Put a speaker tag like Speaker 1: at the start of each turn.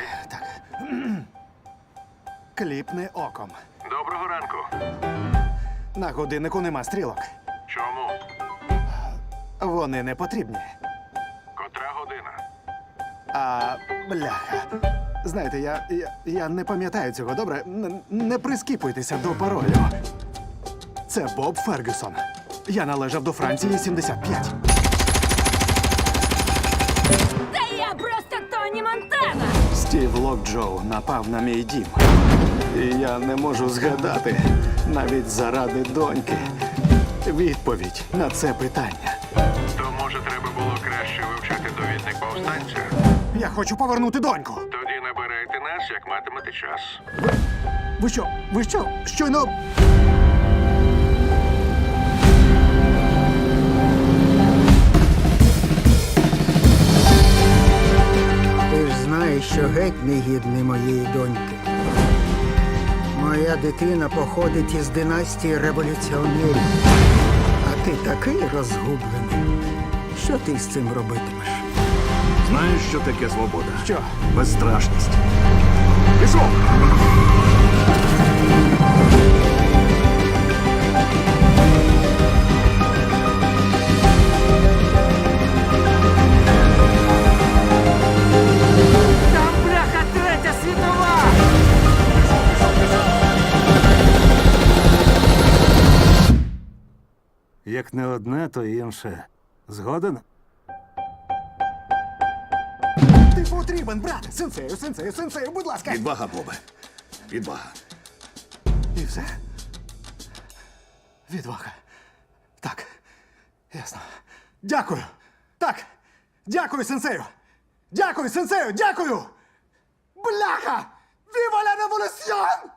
Speaker 1: Так. Кліпни оком.
Speaker 2: Доброго ранку.
Speaker 1: На годиннику нема стрілок.
Speaker 2: Чому?
Speaker 1: Вони не потрібні.
Speaker 2: Котра година?
Speaker 1: А, бляха. Знаєте, я не пам'ятаю цього, добре? Не прискіпуйтеся до паролю. Це Боб Фергюсон. Я належав до Франції 75.
Speaker 3: Та я просто Тоні Монтана!
Speaker 1: Стів Локджоу напав на мій дім. І я не можу згадати, навіть заради доньки, відповідь на це питання.
Speaker 2: То, може, треба було краще вивчати довідник повстанця?
Speaker 1: Я хочу повернути доньку.
Speaker 2: Тоді набирайте нас, як матимете час.
Speaker 1: Ви що? Ви що? Щойно...
Speaker 4: Ти ж знаєш, що геть не гідний моєї доньки. Моя дитина походить із династії революціонерів. А ти такий розгублений. Що ти з цим робитимеш?
Speaker 5: Знаєш, що таке свобода?
Speaker 1: Що?
Speaker 5: Безстрашність. Пішов!
Speaker 4: Там, бляха, третя світова!
Speaker 5: Як не одне, то інше. Згоден?
Speaker 1: Ти потрібен, брат! Сенсею, будь ласка!
Speaker 5: Відвага, Бобе. Відвага.
Speaker 1: І все? Відвага. Так. Ясно. Дякую. Так. Дякую, сенсею. Дякую, сенсею, дякую! Бляха! Віва ла революціон!